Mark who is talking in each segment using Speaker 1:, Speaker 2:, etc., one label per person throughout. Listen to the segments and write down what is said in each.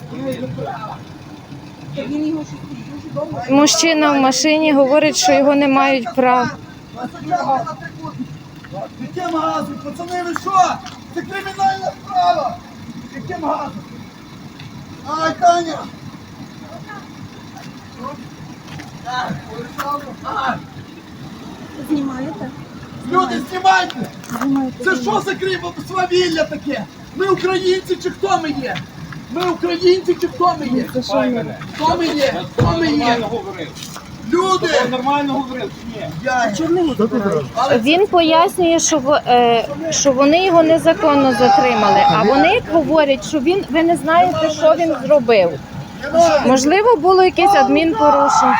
Speaker 1: Мужчина в машині говорить, що його не мають прав.
Speaker 2: Яким газом? Пацани, ви що? Це кримінальна справа! Яким газом? Ай, Таня!
Speaker 3: Знімаєте?
Speaker 2: Люди, знімайте! Це що за свавілля таке? Ми українці чи хто ми є? Ми українці чи хто ми є? Хто ми є? Хто ми є? Люди!
Speaker 4: Нормально говорив чи ні?
Speaker 1: Він пояснює, що вони його незаконно затримали, а вони говорять, що ви не знаєте, що він зробив. Можливо, було якесь адмінпорушення.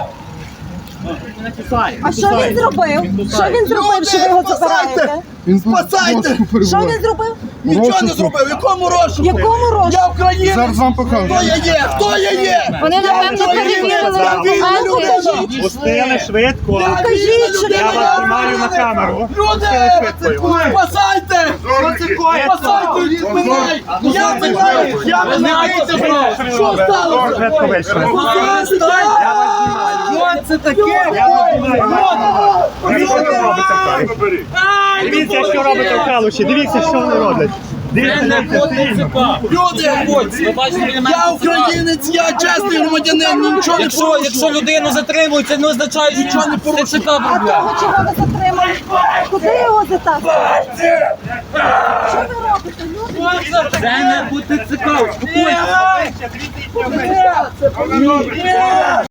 Speaker 3: А що він зробив? Що він зробив, що ви його забираєте?
Speaker 2: Спасайте!
Speaker 3: Що він зробив?
Speaker 2: Нічого не зробив! Якому розшуку?
Speaker 3: Якому розшуку?
Speaker 2: Я українець!
Speaker 5: Зараз вам покажу.
Speaker 2: Хто я є? Хто я є?
Speaker 1: Вони, напевно, перевірили документи.
Speaker 4: Пустили швидко.
Speaker 3: Покажіть, що
Speaker 4: Я вас знімаю на камеру.
Speaker 2: Люди! Спасайте! Спасайте! Мене! Я мене! Я мене! Що сталося?
Speaker 4: Швидко вийшли.
Speaker 2: Що це таке?
Speaker 4: Я вас знімаю. Дивіться, що робите в Калуші. Дивіться, що вони роблять. Дивіться,
Speaker 2: Люди! Я українець, я чесний громадянин, нічого не порушую.
Speaker 6: Якщо людину затримують, це не означає, що нічого не порушує.
Speaker 3: А того, чого ви затримали? Куди його затаскали? Що ви робите, люди?
Speaker 6: Це не буде цікаво.
Speaker 2: Ні!